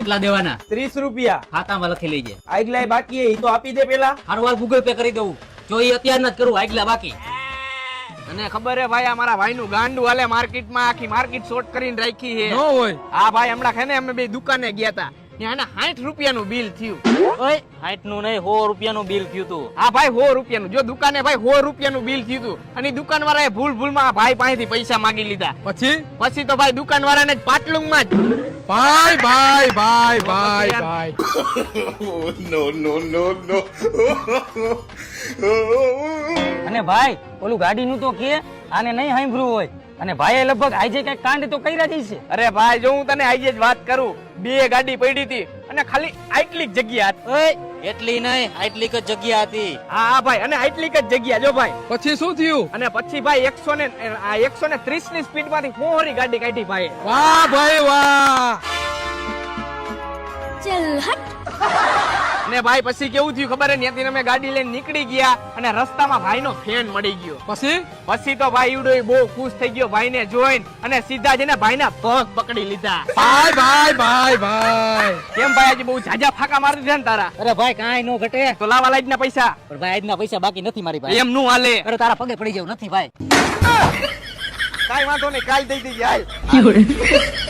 કેટલા દેવાના? 30 રૂપિયા ખાતામાં લખી લેજે. આગલા બાકી એ તો આપી દે પેલા. હારવાર ગૂગલ પે કરી દઉં. જો એ અત્યાર ન જ કરું, આગલા બાકી. અને ખબર હે ભાઈ અમારા ભાઈ નું ગાંડું હાલે માર્કેટમાં, આખી માર્કેટ શોર્ટ કરીને રાખી છે. ન હોય. હા ભાઈ હમણાં છે ને અમે બે દુકાને ગયા હતા, ત્યાં 60 રૂપિયાનું બિલ થયું. ઓય 60 નું નહીં, 100 રૂપિયાનું બિલ થયું તું. હા ભાઈ 100 રૂપિયાનું. જો દુકાને ભાઈ 100 રૂપિયાનું બિલ થયું તું, અને દુકાન વાળાએ ભૂલમાં ભાઈ પાસેથી પૈસા માંગી લીધા. પછી તો ભાઈ દુકાન વાળાને જ પાટલુંગમાં જ ભાઈ ભાઈ ભાઈ ભાઈ ભાઈ અને ભાઈ ઓલું ગાડીનું તો કે આને નહીં સાંભળ્યું હોય. અને ભાઈએ લગભગ આજે કઈ કાંડ તો કર્યા જ છે. અરે ભાઈ જો હું તને આજે જ વાત કરું, 2 ગાડી પડી હતી અને ખાલી આટલી જ જગ્યા હતી. ઓય એટલી નહીં, આટલી જ જગ્યા હતી. હા ભાઈ, અને આટલી જ જગ્યા જો ભાઈ. પછી શું થયું? અને પછી ભાઈ 130 ની સ્પીડ માંથી 4 ગાડી કાઢી ભાઈ. વાહ ભાઈ વાહ. અને ભાઈ પછી કેવું થયું ખબર હે? ત્યાંથી અમે ગાડી લઈને નીકળી ગયા અને રસ્તામાં ભાઈનો ફેન મળી ગયો. પછી તો ભાઈ ઈવડો બહુ ખુશ થઈ ગયો ભાઈને જોઈને, અને સીધા જઈને ભાઈના પગ પકડી લીધા. ભાઈ ભાઈ ભાઈ ભાઈ. કેમ ભાઈ આજે બહુ ઝાઝા ફાકા મારી દીધા ને તારા? અરે ભાઈ કાંઈ નો ઘટે. તો લાવા લાઈના પૈસા. પણ ભાઈ આજના પૈસા બાકી નથી મારી પાસે. એમ નું હાલે. અરે તારા પગે પડી જાવ નથી ભાઈ. કાઈ વાંધો નહીં, કાલ દઈ દેજે હાલ.